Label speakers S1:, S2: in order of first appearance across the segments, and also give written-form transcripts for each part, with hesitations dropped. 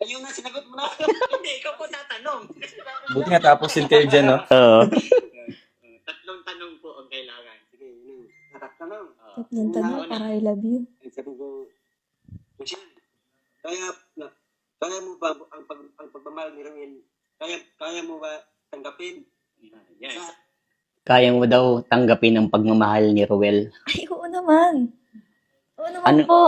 S1: Ayun na, sinagot mo na. Hindi, ikaw po tatanong.
S2: Buti nga tapusin kayo dyan, no?
S3: Oo.
S1: Tatlong tanong po ang kailangan. Sige, yun. Tatlong.
S4: Tatlong tanong para I love you.
S1: Sabi ko, Michelle, kaya mo ba ang pagmamahal ni Ruel? Kaya mo ba tanggapin? Yes.
S3: Kaya mo daw tanggapin ang pagmamahal ni Ruel.
S4: Ay, oo naman. Oo naman
S3: Ano?
S4: po.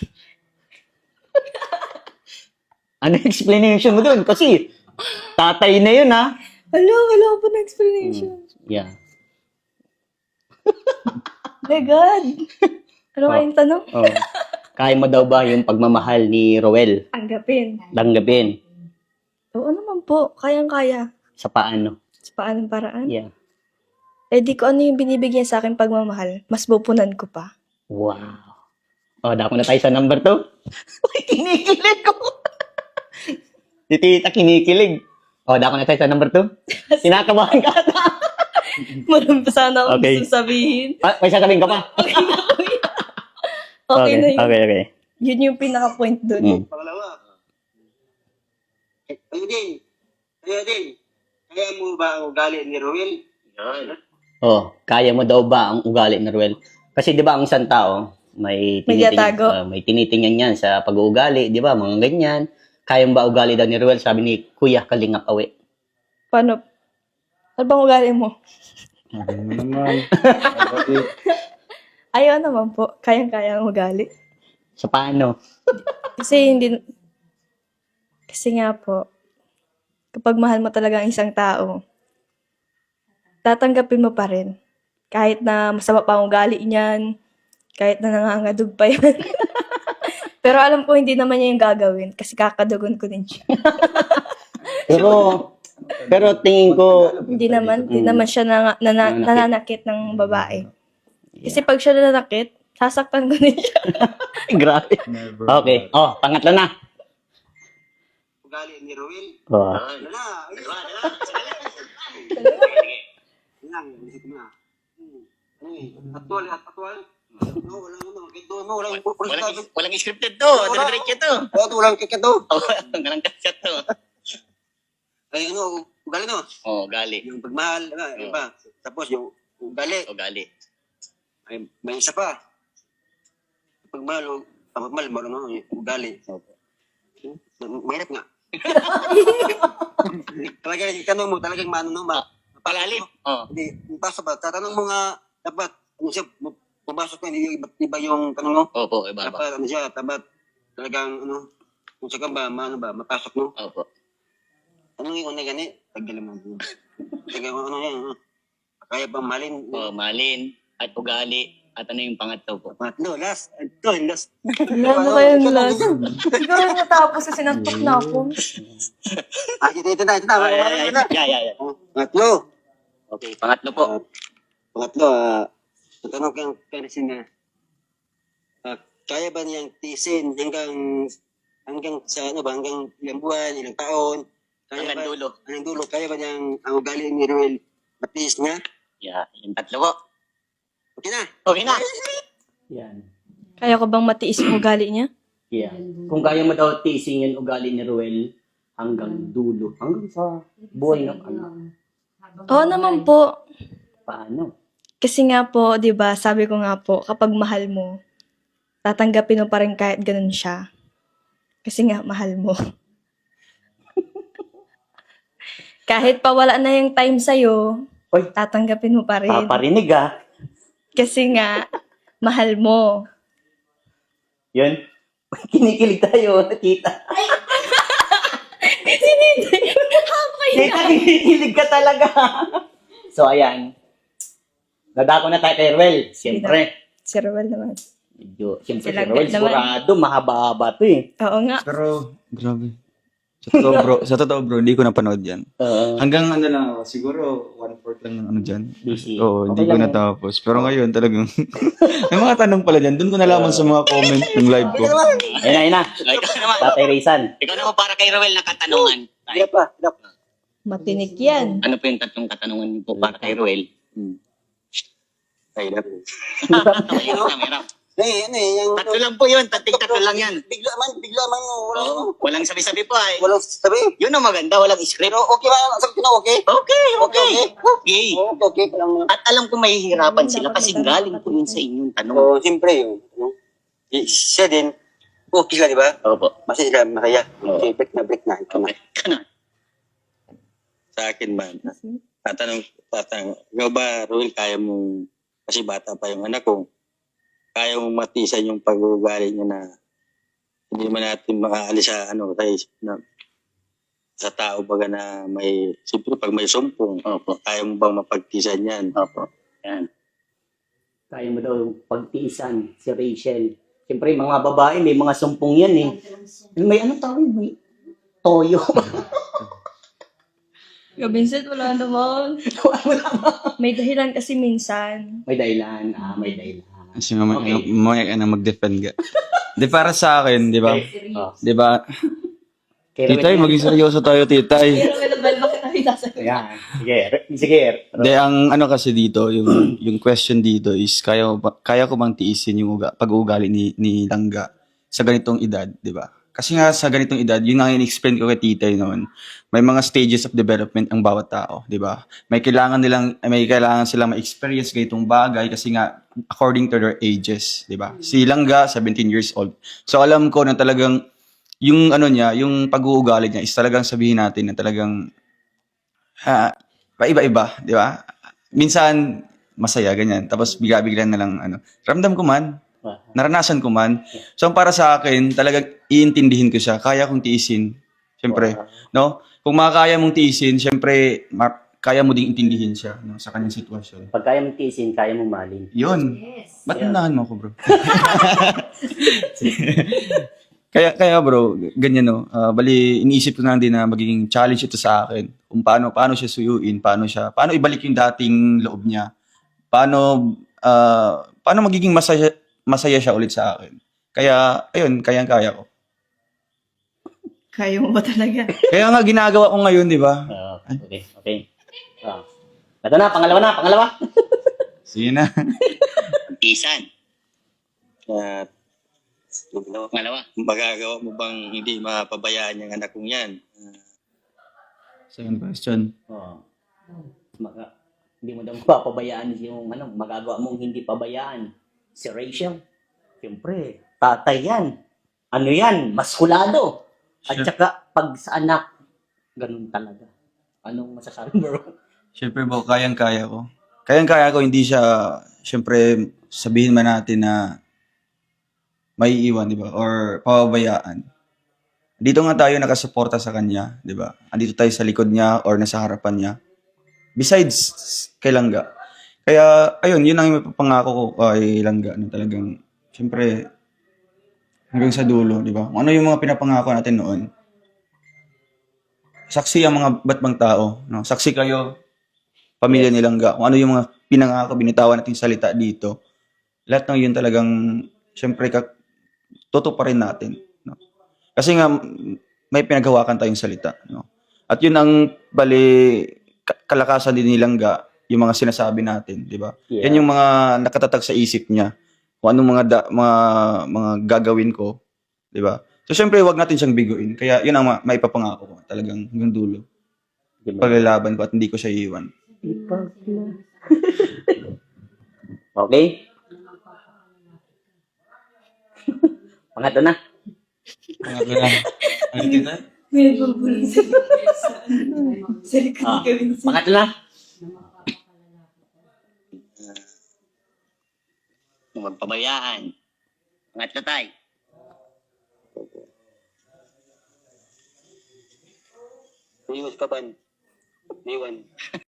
S3: Ano explanation mo dun? Kasi tatay na yun, ha?
S4: Wala po na explanation.
S3: Yeah.
S4: My God. Ano
S3: Oh.
S4: kayong tanong?
S3: Oh. Kaya mo daw ba yung pagmamahal ni Ruel?
S4: Tanggapin.
S3: Tanggapin.
S4: Oo naman po. Kayang-kaya.
S3: Sa paano?
S4: Sa paanong paraan?
S3: Yeah.
S4: Eh di ko ano yung binibigyan sa akin pagmamahal. Mas pupunan ko pa.
S3: Wow. Oh, dako na tayo sa number 2. Uy, kinikilig ko. Si tita kinikilig. Oh, dako na tayo sa number 2. Kinakabahan ka ata.
S4: Marami pa sana akong
S3: Okay.
S4: gusto sabihin.
S3: Ah, may sasabihin ka pa?
S4: Okay na yun.
S3: Okay.
S4: Yun yung pinaka-point dun.
S3: Mm.
S1: Pangalawa. Kaya din. Kaya mo ba ang ugali ni Ruel? Yan.
S3: Oh, kaya mo daw ba ang ugali ni Ruel? Kasi 'di ba ang isang tao may
S4: tiyatago.
S3: may tinitingnan yan sa pag-uugali, 'di ba? Mga ganyan. Kaya mo ba ugali daw ni Ruel? Sabi ni Kuya Kalingap Awe.
S4: Paano? Ano bang ugali mo?
S2: Ano naman?
S4: Ayaw naman po. Kayang-kaya ang ugali.
S3: Sa paano?
S4: Kasi nga po, kapag mahal mo talaga ang isang tao, tatanggapin mo pa rin. Kahit na masama pa ang ugali niyan, kahit na nangangadug pa yan. Pero alam ko hindi naman niya yung gagawin kasi kakadugon ko din siya.
S3: Pero tingin ko
S4: Hindi naman siya nananakit ng babae. Kasi pag siya nananakit, sasaktan ko din siya.
S3: grabe.
S2: Never.
S3: Okay. Oh, pangatlo na.
S1: Ugali ni Ruel?
S3: Oh.
S1: Lang, isip mo na. Atwal. No,
S3: Walang scripted to. Dire-diretso to.
S1: walang kikito.
S3: Oh, ganang kasya to.
S1: Ay, ugali no?
S3: Oh, gali.
S1: Yung pagmahal, iba. Tapos yung ugali.
S3: Ugali.
S1: Ay, may isa pa. Pagmahal, marunong yung ugali. Mahirap nga. Talaga yung tanong mo, talagang
S3: Palalim. Oh.
S1: Hindi, basta ba, tatanong mo nga, dapat, pumasok ko, hindi iba yung tanong mo.
S3: Opo, iba.
S1: Dapat, dapat, talagang, kung saan ba, mapasok mo.
S3: Opo.
S1: Anong yung una gani? Tagalan mo. Tagang, yan, kaya bang malin?
S3: Oh, malin at ugali. At ano yung pangatlo po?
S1: Pangatlo, last. Ito, last.
S4: Ano kayong last? Siguro natapos kasi sinantok na ako.
S1: Ito na.
S3: Yeah.
S1: Pangatlo.
S3: Okay, pangatlo po.
S1: Pangatlo, tatanong kang Persin na, kaya ba niyang tiisin hanggang sa hanggang ilang buwan, ilang taon?
S3: Hanggang dulo.
S1: Hanggang dulo, kaya ba niyang ang ugali ni Ruel matiis niya?
S3: Yeah, yung tatlo po.
S1: Okay na.
S3: Okay na. Yan.
S4: Kaya ko bang matiis yung ugali niya?
S3: Yeah. Kung kaya mo daw tiisin yung ugali ni Ruel hanggang dulo. Hanggang sa buhay ng ano.
S4: Oo naman po.
S3: Paano?
S4: Kasi nga po, 'di ba, sabi ko nga po, kapag mahal mo, tatanggapin mo pa rin kahit ganun siya. Kasi nga mahal mo. Kahit pa wala na yung time sa'yo,
S3: Oy,
S4: tatanggapin mo pa rin.
S3: paparinig ah.
S4: Kasi nga, mahal mo.
S3: Yun. Kinikilig tayo, nakita. Kita, kinikilig ka talaga. So, ayan. Nadako na tayo kay Ruel. Siyempre.
S4: Si Ruel naman.
S3: Siyempre si
S4: Silang
S3: Ruel,
S4: naman.
S3: sigurado, mahaba-haba to eh.
S4: Oo nga.
S2: Pero, grabe. Sa totoo bro, hindi ko napanood yan. Hanggang ano lang ako, siguro 1/4 lang ng ano dyan.
S3: Busy.
S2: Oo, hindi
S3: Okay
S2: ko
S3: lang
S2: natapos. Pero ngayon talagang, may mga tanong pala dyan. Doon ko nalaman sa mga comment ng live ko.
S3: Ayun na. Ikaw naman. Tatay Rizan. Ikaw naman para kay Ruel na katanungan.
S1: Hirap pa.
S4: Matinik yan.
S3: Ano po yung tatlong katanungan niyo po para kay Ruel?
S1: Ay, hirap.
S3: Mahirap.
S1: ano eh, yung...
S3: Tatlo lang po yun. Tatlo lang yan.
S1: Bigla man, wala,
S3: Oo, walang sabi-sabi pa eh.
S1: walang sabi.
S3: Yun ang maganda, walang script.
S1: Pero okay ba? Sabi ko na okay?
S3: Okay.
S1: Okay, okay pa lang.
S3: At alam ko mahihirapan sila kasi galing po yun sa inyong tanong.
S1: So, siyempre yun. Ano? Siya din, okay sila, di ba?
S3: Opo.
S1: Masaya sila, masaya.
S3: Oo.
S1: Okay, break na. Ito na.
S3: Okay. Ganun.
S5: Sa akin man, tatanong, ikaw ba, Ruel, kaya mong, kasi bata pa yung anak ko, kaya mong matisan yung pag-uugali niya na hindi man natin makaalis sa, sa tao baga na may, siyempre pag may sumpong,
S3: Opo.
S5: kaya mo bang mapagtisan yan?
S3: Opo. Yan. Kaya mo daw pagtiisan si Rachel. Siyempre, mga babae, may mga sumpong yan eh. May ano tawag? May toyo.
S4: Yo, Vincent, wala naman. May dahilan kasi minsan.
S3: May dahilan. May dahilan.
S2: Kasi mamaya
S3: Okay.
S2: mamaya ka na mag-defend ka. Di para sa akin, di ba?
S3: Oh.
S2: Di ba?
S3: Kaya
S2: Titay, maging seryoso tayo, titay.
S4: Pero may nabal, bakit namin sasagot?
S3: Yan. Sige.
S2: Hindi, ang ano kasi dito, yung question dito is, kaya ko bang tiisin yung pag-uugali ni Langga sa ganitong edad, di ba? Kasi nga sa ganitong edad, yun ang in-explain ko kay titay noon. May mga stages of development ang bawat tao, di ba? May kailangan silang ma-experience ganitong bagay kasi nga according to their ages, di ba? Si Langga, 17 years old. So alam ko na talagang yung ano niya, yung pag-uugali niya is talagang sabihin natin na talagang paiba-iba, di ba? Minsan masaya ganyan, tapos bigla-bigla na lang ramdam ko man, naranasan ko man. So para sa akin, talagang iintindihin ko siya, kaya kong tiisin. Siyempre, no? Kung makakaya mong tiisin, siyempre kaya mo ding intindihin siya, no, sa kanyang sitwasyon.
S3: Pag kaya mong tiisin, kaya mong malin.
S2: Yun.
S4: Yes.
S2: Ba't
S3: Yeah.
S2: unahan mo ako, bro? Kaya bro, ganyan no. Bali iniisip ko na din na magiging challenge ito sa akin. Kung paano siya suyuin, paano ibalik yung dating loob niya. Paano magiging masaya siya ulit sa akin. Kaya ayun, kayang-kaya ko.
S4: Kaya mo ba talaga?
S2: Kaya nga ginagawa ko ngayon, di ba?
S3: Okay. Ito na, pangalawa.
S2: Sige na.
S3: Tiisan.
S5: At
S3: Pangalawa.
S5: magagawa mo bang hindi mapabayaan yung anak kong yan?
S2: Second question.
S3: Hindi mo daw mapapabayaan yung magagawa mong hindi pabayaan. Si Rachel, siyempre, tatay yan. Ano yan? Maskulado. At
S2: Sure.
S3: saka, pag sa anak, ganun talaga. Anong masasabi mo, bro?
S2: Siyempre bro, kayang-kaya ko. Kayang-kaya ko, hindi siya, siyempre, sabihin man natin na may iwan, di ba? Or pababayaan. Dito nga tayo nakasuporta sa kanya, di ba? Andito tayo sa likod niya or nasa harapan niya. Besides, kay Langga. Kaya, ayun, yun ang ipapangako ko kay Langga na talagang, siyempre, hanggang sa dulo, di ba? Kung ano yung mga pinapangako natin noon. Saksi ang mga batbang tao, no? Saksi kayo, pamilya ni Langga. Kung ano yung mga pinangako, binitawan nating salita dito. Lahat ng yun talagang, siyempre, totoo pa rin natin. No? Kasi nga, may pinaghawakan tayong salita. No? At yun ang kalakasan din ni Langga, yung mga sinasabi natin, di ba?
S3: Yeah.
S2: Yan yung mga nakatatag sa isip niya. Kung anong mga gagawin ko, di ba? So, syempre, wag natin siyang biguin. Kaya, yun ang maipapangako ko. Talagang hanggang dulo. Paglalaban ko at hindi ko siya iiwan.
S3: Okay? Pangatlo na.
S2: Pangatlo na. Ano dito?
S4: May nagbubulong sa likod ni Kevin.
S3: Pangatlo na. Magpabayaan. Pangatlo tayo.
S1: Iwan ka ba? Iwan.